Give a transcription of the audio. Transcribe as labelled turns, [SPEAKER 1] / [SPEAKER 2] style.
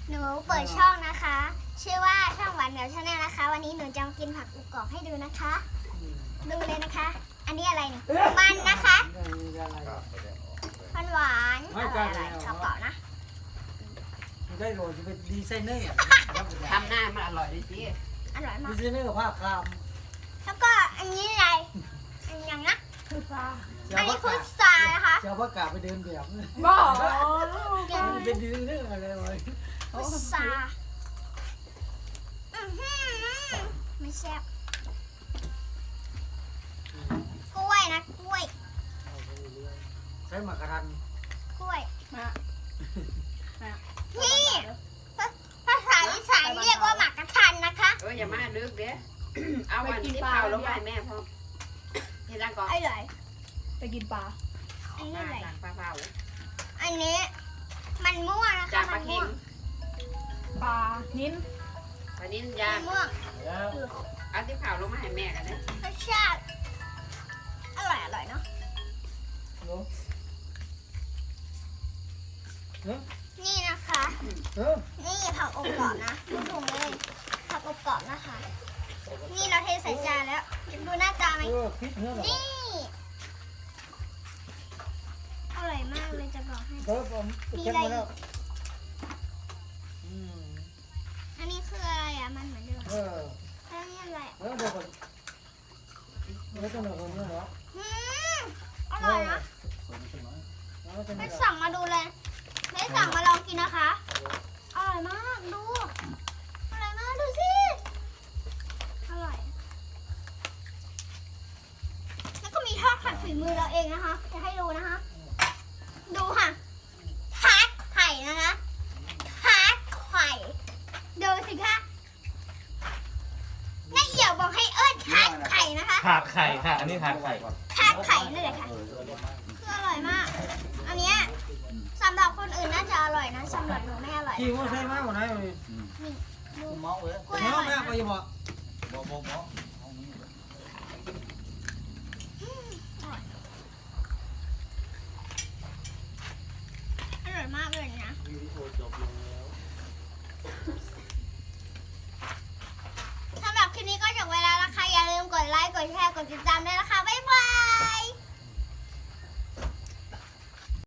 [SPEAKER 1] หนูเปิดช่องนะคะ ชื่อว่าช่องหวานเหนียวชาแนลนะคะ วันนี้หนูจะมากินผักอุกรอบให้ดูนะคะ ดูเลยนะคะ อันนี้อะไรนี่มันนะคะมันหวานอร่อยๆกรอบๆนะ
[SPEAKER 2] ได้โรยจะเป็นดีไซเนอร์
[SPEAKER 3] ทำหน้ามันอร่อยดิสิ
[SPEAKER 1] อร่อย
[SPEAKER 2] ดี
[SPEAKER 1] มาก
[SPEAKER 2] ไซเนอร์กับผ้าคราม
[SPEAKER 1] แล้วก็อันนี้อะไรอันยังนะ
[SPEAKER 4] คือปลา
[SPEAKER 1] อันนี้พุทรานะคะ
[SPEAKER 2] เจ้าพ่อกาไปเดินแบบ
[SPEAKER 4] บอก
[SPEAKER 2] เป็นดีไซเนอร์อะไรเลย
[SPEAKER 1] พุทราไม่แซ่บกล้วยนะกล้วย
[SPEAKER 2] ใช้หมากกระทัน
[SPEAKER 1] กล้วย
[SPEAKER 4] มา
[SPEAKER 1] นี่ภาษาอีสานเรียกว่าหมากกระทันนะคะ
[SPEAKER 3] อย่ามาลึกเด้เอาวันที่เผาลงไปแม่พ่อที่ร่างก่อน
[SPEAKER 1] อร่อย
[SPEAKER 4] ไปกินปลา
[SPEAKER 1] อันนี้
[SPEAKER 3] มา
[SPEAKER 1] อะไร
[SPEAKER 3] จากปลาเผา
[SPEAKER 1] อันนี้มันม่วงนะคะ
[SPEAKER 3] จากป
[SPEAKER 1] มั
[SPEAKER 3] ลาน เค็
[SPEAKER 1] ม่ว
[SPEAKER 3] ม
[SPEAKER 1] ง
[SPEAKER 4] ปลานิ้น
[SPEAKER 3] ปลานิ้น
[SPEAKER 1] มั
[SPEAKER 3] ย่าง
[SPEAKER 1] นม่วง
[SPEAKER 2] แล้ว
[SPEAKER 3] เอาที่เผาลงมาให้แม่กันนะ
[SPEAKER 1] รสชาติอร่อยเนาะ
[SPEAKER 2] เนาะ
[SPEAKER 1] นี่นะคะ
[SPEAKER 2] เออ
[SPEAKER 1] นี่ผักอบกรอบนะดูถุงเลยผักอบกรอบนะคะ นี่เราเทใส่จานแล้วดูหน้าตาไหม
[SPEAKER 2] พริกเนื้อหรอ
[SPEAKER 1] นี่อร่อยมากเลยจะบอกให้
[SPEAKER 2] เออผมเช็คมาแล้ว
[SPEAKER 1] อันนี้คืออะไรอ่ะมันเหมือนเดิม
[SPEAKER 2] เออ
[SPEAKER 1] แล้วนี่อะไรอ่ะ
[SPEAKER 2] เดี๋ยวก่อนไม่ต้องเอาเนื้อหรอ
[SPEAKER 1] อร่อยนะไม่สั่งมาดูเลยไม่สั่งมาลองกินนะคะอร่อยมากดูอร่อยมากดูสิอร่อยแล้วก็มีทอดไข่ฝีมือเราเองนะคะจะให้ดูนะคะ ดูค่ะทาร์ตไข่นะคะทาร์ตไข่ดูสิคะนายเหี่ยวบอกให้เอิ้นทาร์ตไข่นะคะ
[SPEAKER 5] ถาดไข่ค่ะ อันนี้ถาดไข่
[SPEAKER 1] ทาร์ตไข่นั่นแหละค่ะคืออร่อยมาก อันเนี้ยสำหรับคนอื่นน่าจะอร่อยนะสำหรับหนูไม่อร่อย
[SPEAKER 2] ที่ว่าใช่ไหมวันไหนเลย
[SPEAKER 1] ดู
[SPEAKER 5] เมาเว้ย
[SPEAKER 1] กล้วย
[SPEAKER 2] เนื้
[SPEAKER 1] อ
[SPEAKER 2] อ
[SPEAKER 1] ร่อย
[SPEAKER 2] แม่
[SPEAKER 1] นะ
[SPEAKER 2] ไปยังบอก
[SPEAKER 5] บ่
[SPEAKER 1] อร่อยมากเลยนะสำหรับคลิปนี้ก็จบเวลาแล้วค่ะอย่าลืมกดไลค์กดแชร์กดติดตามด้วยนะคะ